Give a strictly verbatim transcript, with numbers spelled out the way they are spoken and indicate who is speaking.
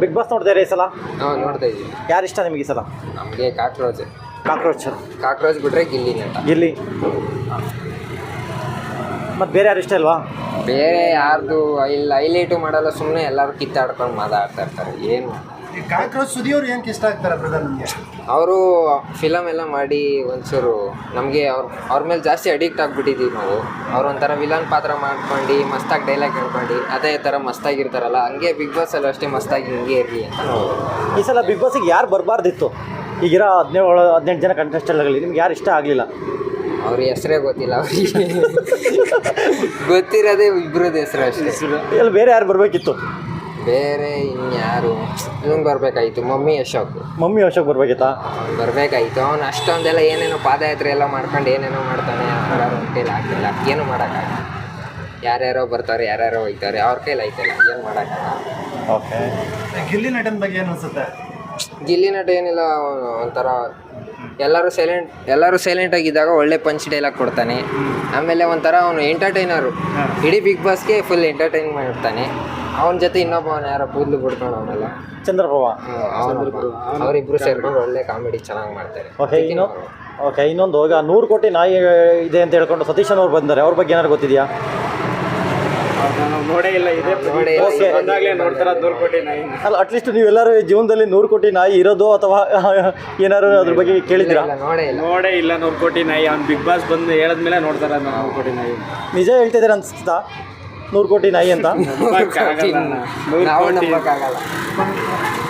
Speaker 1: Big boss ನೋಡ್ತಾ ಈ ಸಲ?
Speaker 2: ನಾವು ನೋಡ್ತಾ ಇದ್ದೀವಿ.
Speaker 1: ಯಾರು ಇಷ್ಟ ನಿಮಗೆ ಈ ಸಲ?
Speaker 2: ನಮಗೆ ಕಾಕ್ರೋಚ್
Speaker 1: ಕಾಕ್ರೋಚ್
Speaker 2: ಕಾಕ್ರೋಚ್ ಬಿಟ್ರೆ ಗಿಲ್ಲಿ ನಟ.
Speaker 1: ಗಿಲ್ಲಿ. ಮತ್ತು ಬೇರೆ ಯಾರು ಇಷ್ಟ ಇಲ್ವಾ?
Speaker 2: ಬೇರೆ ಯಾರ್ದು ಇಲ್ಲಿ ಹೈಲೈಟು ಮಾಡಲ್ಲ, ಸುಮ್ಮನೆ ಎಲ್ಲರೂ ಕಿತ್ತಾಡ್ಕೊಂಡು ಮಾತಾಡ್ತಾ ಇರ್ತಾರೆ. ಏನು
Speaker 3: ಕಾಕ್ರೋಚ್ ಸುದಿ ಅವ್ರು ಏನಕ್ಕೆ ಇಷ್ಟ ಆಗ್ತಾರೆ ಬ್ರದರ್ ನಿಮಗೆ?
Speaker 2: ಅವರು ಫಿಲಮ್ ಎಲ್ಲ ಮಾಡಿ ಒಂಚೂರು ನಮಗೆ ಅವ್ರ ಅವ್ರ ಮೇಲೆ ಜಾಸ್ತಿ ಅಡಿಕ್ಟ್ ಆಗಿಬಿಟ್ಟಿದ್ದೀವಿ ನಾವು. ಅವ್ರು ಒಂಥರ ವಿಲನ್ ಪಾತ್ರ ಮಾಡ್ಕೊಂಡು ಮಸ್ತಾಗಿ ಡೈಲಾಗ್ ಹೇಳ್ಕೊಂಡು ಅದೇ ಥರ ಮಸ್ತಾಗಿರ್ತಾರಲ್ಲ, ಹಂಗೆ ಬಿಗ್ ಬಾಸಲ್ಲೂ ಅಷ್ಟೇ ಮಸ್ತಾಗಿ ಹಿಂಗೆ ಇರಲಿ ಅಂತ ನಾವು.
Speaker 1: ಈ ಸಲ ಬಿಗ್ ಬಾಸಿಗೆ ಯಾರು ಬರಬಾರ್ದಿತ್ತು? ಈಗಿರೋ ಹದಿನೇಳು ಹದಿನೆಂಟು ಜನ ಕಂಟೆಸ್ಟೆಂಟ್ಗಳಲ್ಲಿ ನಿಮ್ಗೆ ಯಾರು ಇಷ್ಟ ಆಗಲಿಲ್ಲ?
Speaker 2: ಅವ್ರ ಹೆಸರೇ ಗೊತ್ತಿಲ್ಲ ಅವರಿಗೆ. ಗೊತ್ತಿರೋದೇ ಇಬ್ಬರದ್ದು ಹೆಸರು ಅಷ್ಟೇ.
Speaker 1: ಇಲ್ಲಿ ಬೇರೆ ಯಾರು ಬರಬೇಕಿತ್ತು?
Speaker 2: ಬೇರೆ ಇನ್ಯಾರು ಇವನು ಬರಬೇಕಾಯ್ತು, ಮಮ್ಮಿ ಅಶೋಕ್.
Speaker 1: ಮಮ್ಮಿ ಅಶೋಕ್ ಬರಬೇಕಿತ್ತಾ?
Speaker 2: ಅವ್ನು ಬರಬೇಕಾಯ್ತು. ಅವ್ನು ಅಷ್ಟೊಂದೆಲ್ಲ ಏನೇನೋ ಪಾದಯಾತ್ರೆ ಎಲ್ಲ ಮಾಡ್ಕೊಂಡು ಏನೇನೋ ಮಾಡ್ತಾನೆ. ಅವ್ರ ಕೈಲಿ ಆಗ್ತಿಲ್ಲ, ಏನು ಮಾಡೋಕ್ಕಾಗಲ್ಲ. ಯಾರ್ಯಾರೋ ಬರ್ತಾರೆ, ಯಾರ್ಯಾರೋ ಹೋಗ್ತಾರೆ, ಅವ್ರ ಕೈಲಿ ಆಯ್ತಲ್ಲ, ಏನು ಮಾಡೋಕ್ಕಾಗಲ್ಲ.
Speaker 1: ಓಕೆ.
Speaker 3: ಗಿಲ್ಲಿ ನಟನ ಬಗ್ಗೆ ಏನು ಅನ್ಸುತ್ತೆ?
Speaker 2: ಗಿಲ್ಲಿ ನಟ ಏನಿಲ್ಲ, ಅವನು ಒಂಥರ ಎಲ್ಲರೂ ಸೈಲೆಂಟ್ ಎಲ್ಲರೂ ಸೈಲೆಂಟಾಗಿದ್ದಾಗ ಒಳ್ಳೆ ಪಂಚ್ ಡೈಲಾಗ್ ಕೊಡ್ತಾನೆ. ಆಮೇಲೆ ಒಂಥರ ಅವನು ಎಂಟರ್ಟೈನರು, ಇಡೀ ಬಿಗ್ ಬಾಸ್ಗೆ ಫುಲ್ ಎಂಟರ್ಟೈನ್ ಮಾಡ್ತಾನೆ. ಅವನ ಜೊತೆ ಇನ್ನೊಬ್ಬವನು ಯಾರೋ ಕೂದಲು ಬಿಡ್ಕೊಂಡು ಅವನೆಲ್ಲ
Speaker 1: ಚಂದ್ರಪ್ರಭಾ,
Speaker 2: ಅವರಿಬ್ಬರು ಸೇರ್ಕೊಂಡು ಒಳ್ಳೆ ಕಾಮಿಡಿ ಚೆನ್ನಾಗಿ ಮಾಡ್ತಾರೆ.
Speaker 1: ಓಕೆ. ಇನ್ನು ಓಕೆ ಇನ್ನೊಂದು ಈಗ ನೂರು ಕೋಟಿ ನಾಯಿ ಇದೆ ಅಂತ ಹೇಳ್ಕೊಂಡು ಸತೀಶನ್ ಅವ್ರು ಬಂದ್ದಾರೆ, ಅವ್ರ ಬಗ್ಗೆ ಏನಾದ್ರು ಗೊತ್ತಿದೆಯಾ?
Speaker 4: ನೋಡೇ ಇಲ್ಲ, ಇದೆ
Speaker 2: ನೋಡಿ
Speaker 4: ಬಂದಾಗಲೇ ನೋಡ್ತಾರ ನೂರು ಕೋಟಿ ನಾಯಿ.
Speaker 1: ಅಲ್ಲ, ಅಟ್ಲೀಸ್ಟ್ ನೀವೆಲ್ಲರೂ ಜೀವನದಲ್ಲಿ ನೂರು ಕೋಟಿ ನಾಯಿ ಇರೋದು ಅಥವಾ ಏನಾದ್ರು ಅದ್ರ ಬಗ್ಗೆ ಕೇಳಿದ್ದೀರಾ?
Speaker 2: ನೋಡೇ ಇಲ್ಲ
Speaker 4: ನೋಡೇ ಇಲ್ಲ ನೂರು ಕೋಟಿ ನಾಯಿ. ಅವ್ನು ಬಿಗ್ ಬಾಸ್ ಬಂದು ಹೇಳಿದ್ಮೇಲೆ ನೋಡ್ತಾರ ನೂರು ಕೋಟಿ ನಾಯಿ.
Speaker 1: ನಿಜ ಹೇಳ್ತಿದ್ದೀರಾ ಅನ್ಸ್ತಾ ನೂರು ಕೋಟಿ ನಾಯಿ ಅಂತ?
Speaker 2: ನಾವು ನಂಬಕ್ಕಾಗಲ್ಲ.